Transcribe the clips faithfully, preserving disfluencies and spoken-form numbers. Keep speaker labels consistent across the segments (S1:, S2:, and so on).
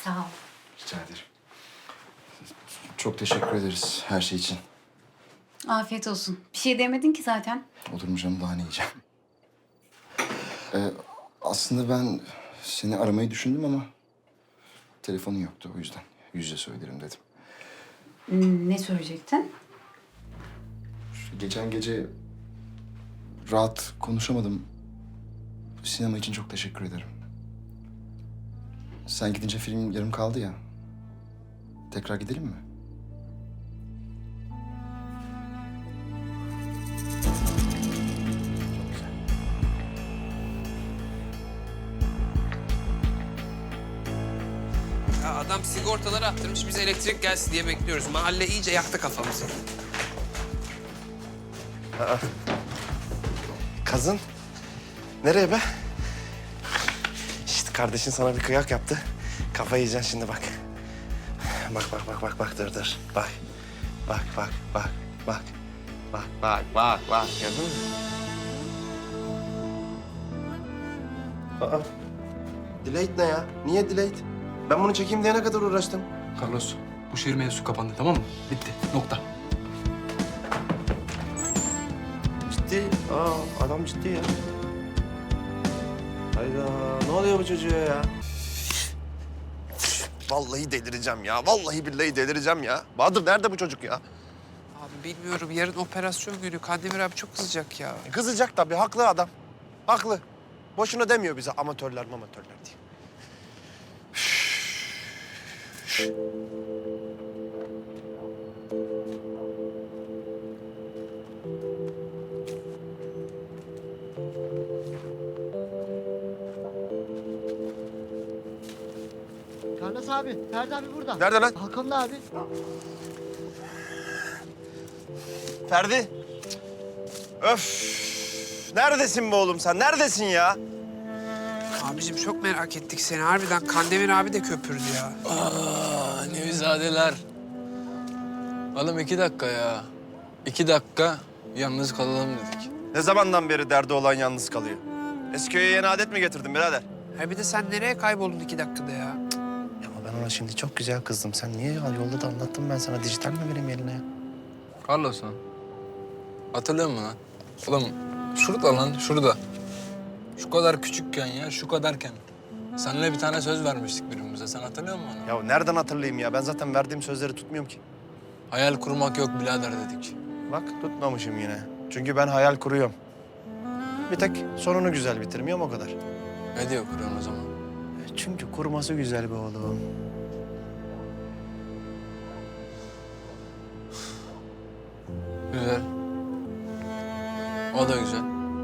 S1: Sağ ol.
S2: Rica ederim. Çok teşekkür ederiz her şey için.
S1: Afiyet olsun. Bir şey demedin ki zaten.
S2: Olur mu canım, daha ne yiyeceğim? Ee, aslında ben seni aramayı düşündüm ama telefonun yoktu, o yüzden yüz yüze söylerim dedim.
S1: Hmm, Ne söyleyecektin?
S2: Şu geçen gece rahat konuşamadım. Sinema için çok teşekkür ederim. Sen gidince film yarım kaldı ya. Tekrar gidelim mi? Çok güzel.
S3: Ya adam sigortaları attırmış, bize elektrik gelsin diye bekliyoruz. Mahalle iyice yaktı kafamızı.
S4: Kazın. Nereye be? İşte kardeşin sana bir kıyak yaptı. Kafayı yiyeceksin şimdi bak. Bak bak bak bak bak dur dur. Bak. Bak bak bak bak. Bak bak bak bak. Gördün mü? Aa. Delayed ne ya? Niye delayed? Ben bunu çekeyim diye ne kadar uğraştım.
S5: Carlos, bu şehir mevzusu kapandı, tamam mı? Bitti, nokta.
S4: Ciddi. Aa adam ciddi ya. Hayda ne oluyor bu çocuğa ya? Vallahi delireceğim ya. Vallahi billahi delireceğim ya. Bahadır nerede bu çocuk ya?
S3: Abi bilmiyorum, yarın operasyon günü. Kandemir abi çok kızacak ya.
S4: Kızacak tabii. Haklı adam. Haklı. Boşuna demiyor bize amatörler amatörler diye.
S6: Carlos abi, Ferdi abi burada.
S4: Nerede lan?
S6: Balkonda abi.
S4: Ferdi. Öf. Neredesin be oğlum sen? Neredesin ya?
S3: Abicim çok merak ettik seni. Harbiden Kandemir abi de köpürdü ya.
S5: Aa, Nevizadeler. Oğlum iki dakika ya. İki dakika yalnız kalalım dedik.
S4: Ne zamandan beri derdi olan yalnız kalıyor? Esköy'e yeni adet mi getirdin birader?
S3: Ha bir de sen nereye kayboldun iki dakikada ya?
S4: Ya ama ben ona şimdi çok güzel kızdım. Sen niye ya? Yolda da anlattım ben sana. Dijital mi vereyim eline ya?
S5: Carlos lan. Hatırlıyor musun lan? Oğlum şurada lan, şurada. Şu kadar küçükken ya, şu kadarken. Seninle bir tane söz vermiştik birbirimize. Sen hatırlıyor musun onu?
S4: Ya nereden hatırlayayım ya? Ben zaten verdiğim sözleri tutmuyorum ki.
S5: Hayal kurmak yok birader dedik.
S4: Bak tutmamışım yine. Çünkü ben hayal kuruyorum. Bir tek sonunu güzel bitirmiyorum o kadar.
S5: Ne diyor kuruyorsun o zaman?
S4: E, Çünkü kurması güzel be oğlum.
S5: Güzel. O da güzel.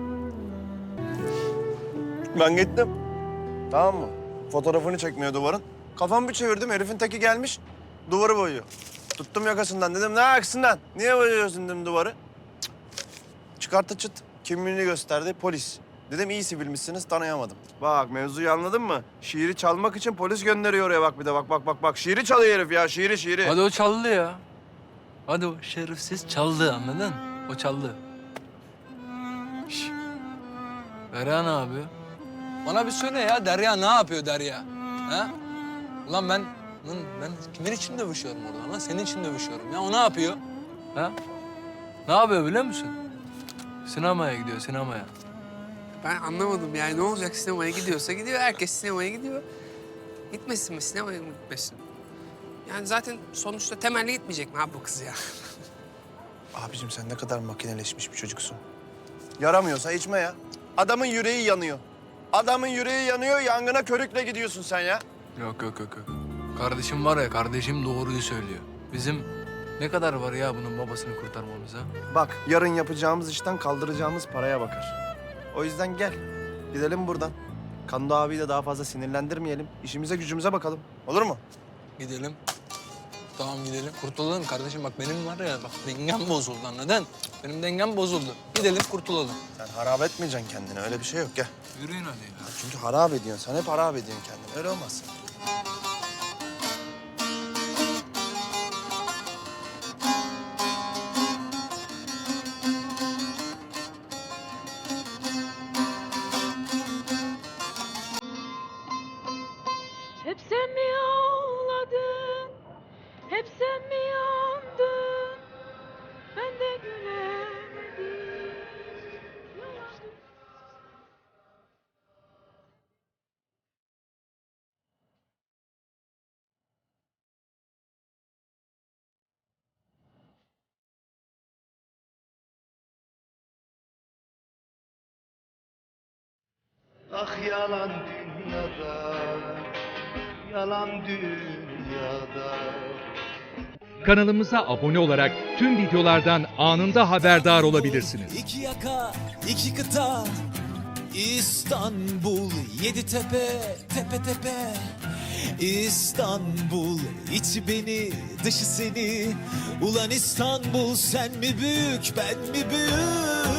S4: Ben gittim. Tamam mı? Fotoğrafını çekmiyor duvarın. Kafamı bir çevirdim, herifin teki gelmiş. Duvarı boyuyor. Tuttum yakasından, dedim ne aksından? Niye boyuyorsun dedim duvarı. Cık. Çıkarttı çıt, kimliğini gösterdi, polis. Dedim iyi sivilmişsiniz, tanıyamadım. Bak mevzuyu anladın mı? Şiiri çalmak için polis gönderiyor oraya bak bir de. Bak bak bak bak. Şiiri çalıyor herif ya, şiiri şiiri.
S5: Hadi o çaldı ya. Hadi o şerefsiz çaldı, anladın? O çaldı. Şş. Derya ne yapıyor? Bana bir söyle ya, Derya ne yapıyor Derya? Ha? Ulan ben, lan ben kimin için dövüşüyorum orada lan? Senin için dövüşüyorum ya. O ne yapıyor? Ha? Ne yapıyor biliyor musun? Sinemaya gidiyor, sinemaya.
S3: Ben anlamadım yani, ne olacak, sinemaya gidiyorsa gidiyor. Herkes sinemaya gidiyor. Gitmesin mi, sinemaya mı gitmesin? Yani zaten sonuçta temelli gitmeyecek mi abi bu kız ya?
S4: Abicim sen ne kadar makineleşmiş bir çocuksun. Yaramıyorsa içme ya. Adamın yüreği yanıyor. Adamın yüreği yanıyor, yangına körükle gidiyorsun sen ya.
S5: Yok yok yok yok. Kardeşim var ya, kardeşim doğruyu söylüyor. Bizim ne kadar var ya bunun babasını kurtarmamıza?
S4: Bak yarın yapacağımız işten kaldıracağımız paraya bakar. O yüzden gel. Gidelim buradan. Kando abiyi de daha fazla sinirlendirmeyelim. İşimize gücümüze bakalım. Olur mu?
S5: Gidelim. Tamam gidelim. Kurtulalım kardeşim. Bak benim var ya, bak dengem bozuldu anladın? Benim dengem bozuldu. Gidelim kurtulalım.
S4: Sen harap etmeyeceksin kendini. Öyle bir şey yok. Gel.
S5: Yürüyün hadi ya.
S4: Çünkü harap ediyorsun. Sen hep harap ediyorsun kendini. Öyle olmaz.
S7: Hep sen mi Ah yalan dünyada, yalan dünyada.
S8: Kanalımıza abone olarak tüm videolardan anında haberdar olabilirsiniz.
S9: İki yaka, iki kıta, İstanbul, yedi tepe, tepe tepe. İstanbul, içi beni, dışı seni. Ulan İstanbul, sen mi büyük, ben mi büyük?